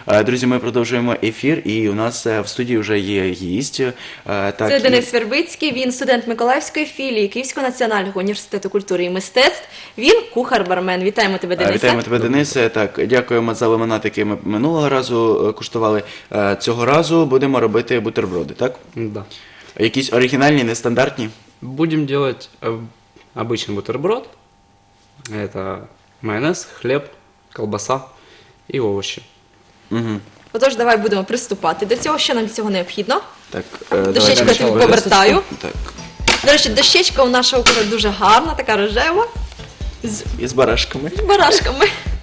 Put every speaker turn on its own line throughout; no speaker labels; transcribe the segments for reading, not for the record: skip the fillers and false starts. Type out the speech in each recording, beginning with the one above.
Друзі, ми продовжуємо ефір, і у нас в студії вже є гість.
Це Денис Вербицький, він студент Миколаївської філії Київського національного університету культури і мистецтв. Він кухар-бармен. Вітаємо тебе, Денисе.
Вітаємо тебе, Денисе. Так, дякуємо за лимонад, який ми минулого разу куштували. Цього разу будемо робити бутерброди, так?
Да.
Якісь оригінальні, нестандартні?
Будем делать обычный бутерброд. Это майонез, хлеб, колбаса и овощи.
Угу.
Отож, давай будемо приступати до цього. Що нам для цього необхідно?
Так,
Дощечку я тобі повертаю.
Так.
До речі, дощечка у нашого кухаря дуже гарна, така рожева,
І з барашками.
з барашками.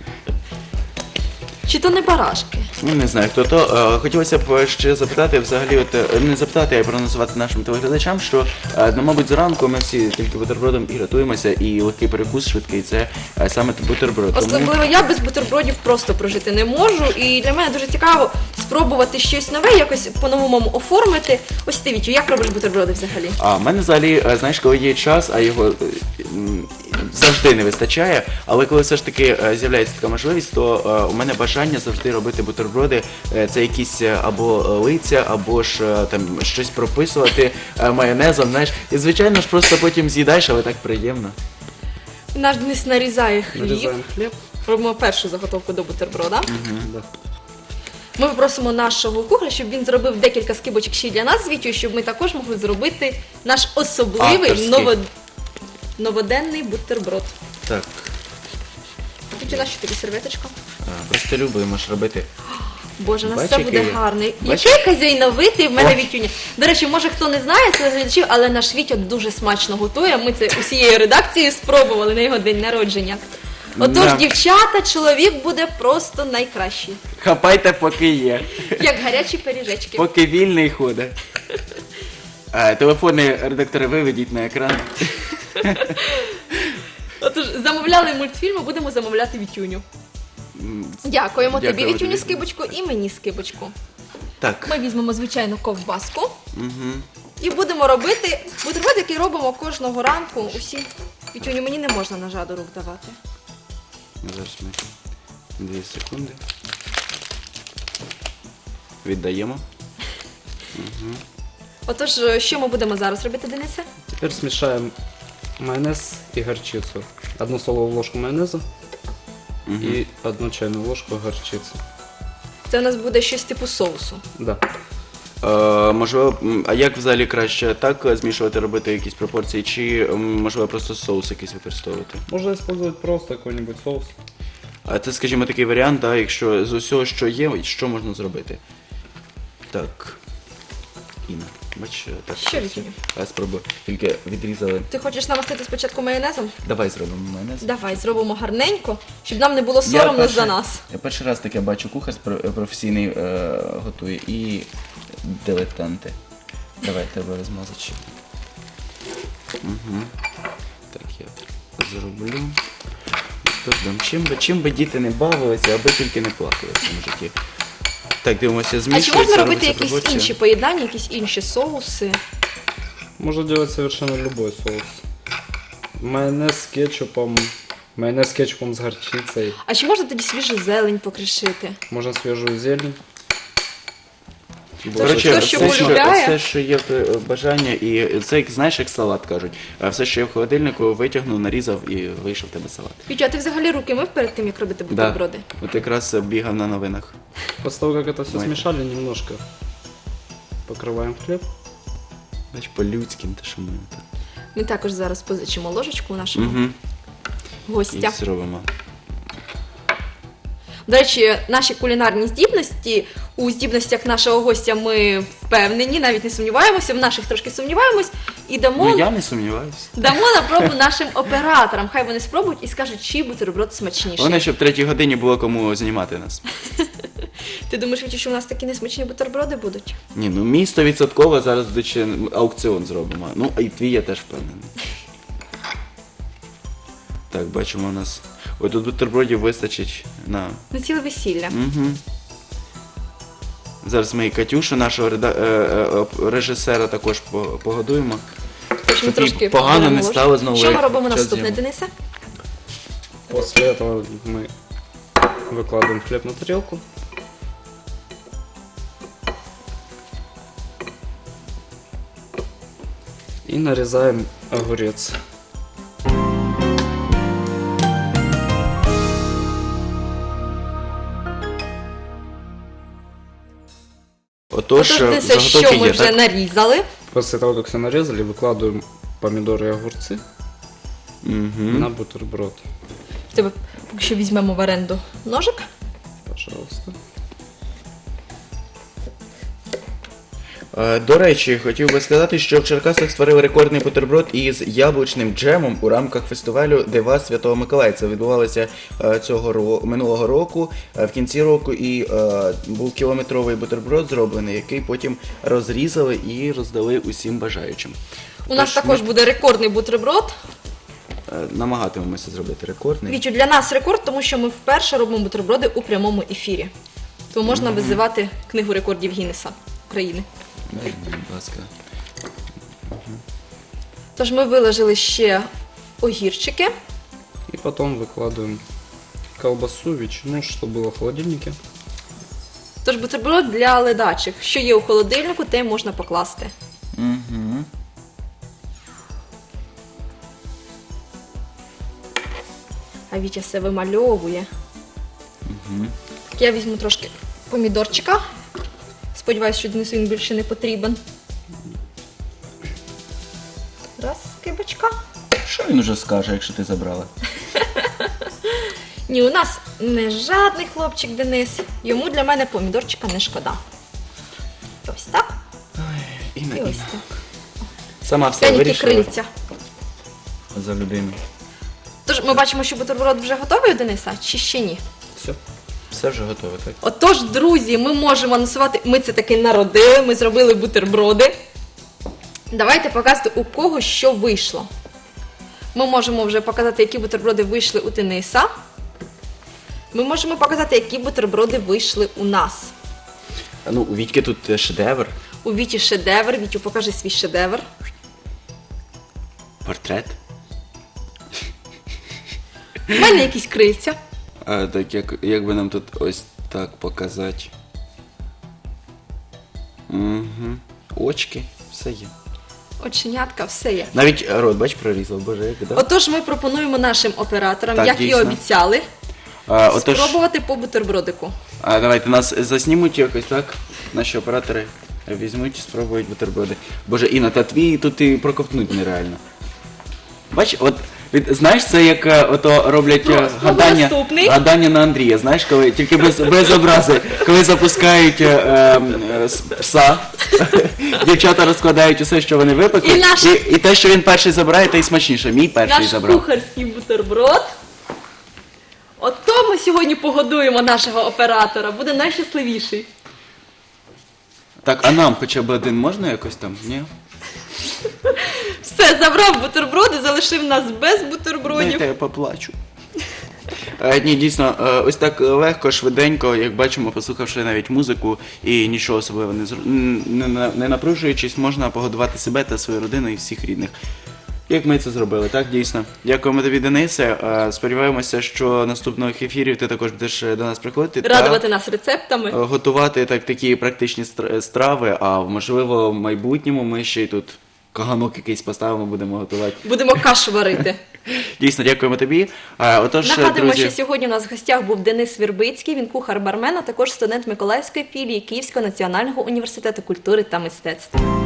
Чи то не барашки?
Ну, не знаю, хто то. Хотілося б ще запитати, взагалі, не запитати, а й проанонсувати нашим телеглядачам, що, мабуть, зранку ми всі тільки бутербродом і рятуємося, і легкий перекус швидкий, це саме бутерброд.
Особливо я без бутербродів просто прожити не можу, і для мене дуже цікаво спробувати щось нове, якось по-новому оформити. Ось ти, Вітю, як робиш бутерброди взагалі?
В мене взагалі, знаєш, коли є час, а його завжди не вистачає, але коли все ж таки з'являється така можливість, то у мене бажання завжди робити бутерброди. Це якісь або лиця, або ж там щось прописувати майонезом, знаєш. І звичайно ж просто потім з'їдаєш, але так приємно.
Наш Денис нарізає хліб.
Нарезаем хлеб.
Робимо першу заготовку до бутерброда.
Да.
Ми попросимо нашого кухаря, щоб він зробив декілька скибочок ще й для нас з Вітю, щоб ми також могли зробити наш особливий
Авторський.
новоденний бутерброд.
Так,
Вітю, нащо тобі серветочка?
просто любимо ж робити.
Боже, у нас
Бач,
все буде
який-
гарний.
бач-
Який хазяйновитий в мене
О.
Вітюня. До речі, може хто не знає з глядачів, але наш Вітя дуже смачно готує. Ми це усією редакцією спробували на його день народження. Отож,
Да.
дівчата, чоловік буде просто найкращий.
Хапайте, поки є.
Як гарячі пиріжечки.
Поки вільний ходить. Телефони редактори виведіть на екран.
Отож, замовляли мультфільми, будемо замовляти Вітюню. Дякуємо тобі,
Дякую
Вітюню,
тобі.
скибочку, і мені скибочку.
Так.
Ми візьмемо звичайну ковбаску
Угу.
і будемо робити бутерброд, який робимо кожного ранку. Усі. Вітюню, мені не можна ножа до рук давати.
Зараз ми 2 секунди. Віддаємо.
Отож, що ми будемо зараз робити, Денисе?
Теперь смешаем майонез и горчицу. 1 столовую ложку майонеза и 1 чайную ложку горчицы.
Це у нас буде щось типу соусу.
Да.
Можливо, а як взагалі краще так змішувати, робити якісь пропорції, чи можливо просто соус якийсь використовувати?
Можно использовать просто какой-нибудь соус.
А це, скажімо, такий варіант, да, якщо з усього, що є, що можна зробити? Так. Інна, бач, так.
Що, Вітюню?
Спробуй. Тільки відрізали.
Ти хочеш намастити спочатку майонезом?
Давай зробимо майонез.
Давай, зробимо гарненько, щоб нам не було соромно за нас.
Я перший раз таке бачу, кухар професійний готує і дилетанти. Давай, треба розмазати ще. Угу. Так, я зроблю. Чим би діти не бавилися, аби тільки не плакали в цьому житті. Так, дивимося,
А
змішується.
чи можна робити
робиться
якісь
пропорція.
інші поєднання, якісь інші соуси?
Можно делать совершенно любой соус. Майонез с кетчупом с горчицей.
А чи можна тоді свіжу зелень покришити?
Можно свежую зелень.
Коротше,
Хто що
все,
полюбляє?
все, що є бажання, і це, знаєш, як салат кажуть. Все, що є в холодильнику, витягнув, нарізав і вийшов в тебе салат.
Вітю, а ти взагалі руки мив перед тим, як робити бутерброди?
От якраз бігав на новинах.
После того, как это все
Ой.
смешали, немножко покрываем хлеб.
Бач, по-людськи, те, що ми так.
Ми також зараз позичимо ложечку у нашого
Угу.
гостя.
І зробимо.
До речі, наші кулінарні здібності, у здібностях нашого гостя ми впевнені, навіть не сумніваємося, в наших трошки сумніваємось, і
Ну, я не сумніваюся.
дамо на пробу нашим операторам. Хай вони спробують і скажуть, чий бутерброд смачніший.
Головне, щоб в 3-й годині було кому знімати нас.
Ти думаєш, Вітю, що у нас такі несмачні бутерброди будуть?
Ні, ну мій 100% зараз ще аукціон зробимо. Ну, а і твій я теж впевнений. Так, бачимо у нас. Ой, тут бутербродів вистачить на...
На ціле весілля.
Угу. Зараз ми і Катюшу, нашого режисера, також погодуємо.
Тож ми
Щоб їй
трошки
погано
беремо
не
ложку.
стало знову.
Що ми
як
робимо
час
наступне,
зйому.
Денисе?
После этого мы выкладываем хлеб на тарелку. И нарезаем огурец.
Отож,
Отож, Денисе,
заготовки
що ми
є,
вже
так?
нарізали.
После того, как все нарезали, выкладываем помидоры и огурцы
Мгм.
на бутерброд.
В тебе поки що візьмемо в оренду ножик.
Пожалуйста.
До речі, хотів би сказати, що в Черкасах створили рекордний бутерброд із яблучним джемом у рамках фестивалю Дива Святого Миколая. Це відбувалося минулого року, в кінці року, і був кілометровий бутерброд зроблений, який потім розрізали і роздали усім бажаючим.
У нас
Тож
також буде рекордний бутерброд.
намагатимемося зробити рекордний.
Вічу, для нас рекорд, тому що ми вперше робимо бутерброди у прямому ефірі. Тому можна визивати книгу рекордів Гіннеса України.
Дай, будь ласка.
Тож ми виложили ще огірчики.
И потом выкладываем колбасу, ветчину, что было в холодильнике.
Тож бутерброд для ледачих. Що є у холодильнику, те можна покласти.
Угу.
А Вітя все вимальовує. Так, я візьму трошки помідорчика. Сподіваюсь, що Денису він більше не потрібен. Раз, скибочка.
Що він уже скаже, якщо ти забрала?
Ні, у нас не жадний хлопчик Денис. Йому для мене помідорчика не шкода. Ось так. І
Інна,
ось
Інна.
так.
Сама все
Пряніки
вирішила
крильця.
за людину.
Тож ми бачимо, що бутерброд вже готовий у Дениса, чи ще ні?
Все.
Все вже готове, так?
Отож, друзі, ми можемо анонсувати, ми це таки народили, ми зробили бутерброди. Давайте показати, у кого що вийшло. Ми можемо вже показати, які бутерброди вийшли у Дениса. Ми можемо показати, які бутерброди вийшли у нас.
Ну, у Вітьки тут шедевр,
У Віті шедевр. Вітю, покажи свій шедевр.
портрет.
У мене якісь крильця.
Так, як би нам тут ось так показати. Угу. Очки, все є.
Оченятка, все є.
Навіть рот, бач, прорізав, боже, як, да?
Отож, ми пропонуємо нашим операторам,
Так,
як і
дійсно.
обіцяли,
Отож,
спробувати по бутербродику.
давайте нас заснімуть якось, так? Наші оператори візьмуть, спробують бутерброди. Боже, Інна, та твій тут і проковтнуть нереально. Бач, от, знаєш, це як ото роблять
Спробуй наступний.
гадання на Андрія, знаєш, коли тільки без образи, коли запускають пса, дівчата розкладають усе, що вони випекли,
І наш-
і те, що він перший забирає, те й смачніше. Мій перший
Наш
забрав.
кухарський бутерброд. Ото ми сьогодні погодуємо нашого оператора, буде найщасливіший.
Так, а нам хоча б один можна якось там? Ні?
Все, забрав бутерброди, залишив нас без бутербродів.
Дайте я поплачу. Ні, дійсно, ось так легко, швиденько, як бачимо, послухавши навіть музику і нічого особливо не напружуючись, можна погодувати себе та свою родину і всіх рідних. Як ми це зробили, так, дійсно. Дякуємо тобі, Денисе. Сподіваємося, що наступних ефірів ти також будеш до нас приходити.
Радувати нас рецептами.
Готувати такі практичні страви, а можливо в майбутньому ми ще й тут каганок якийсь поставимо, будемо готувати.
Будемо кашу варити.
Дійсно, дякуємо тобі. Отож,
Нагадуємо,
друзі,
що сьогодні у нас в гостях був Денис Вірбицький, він кухар-бармен, а також студент Миколаївської філії Київського національного університету культури та мистецтв.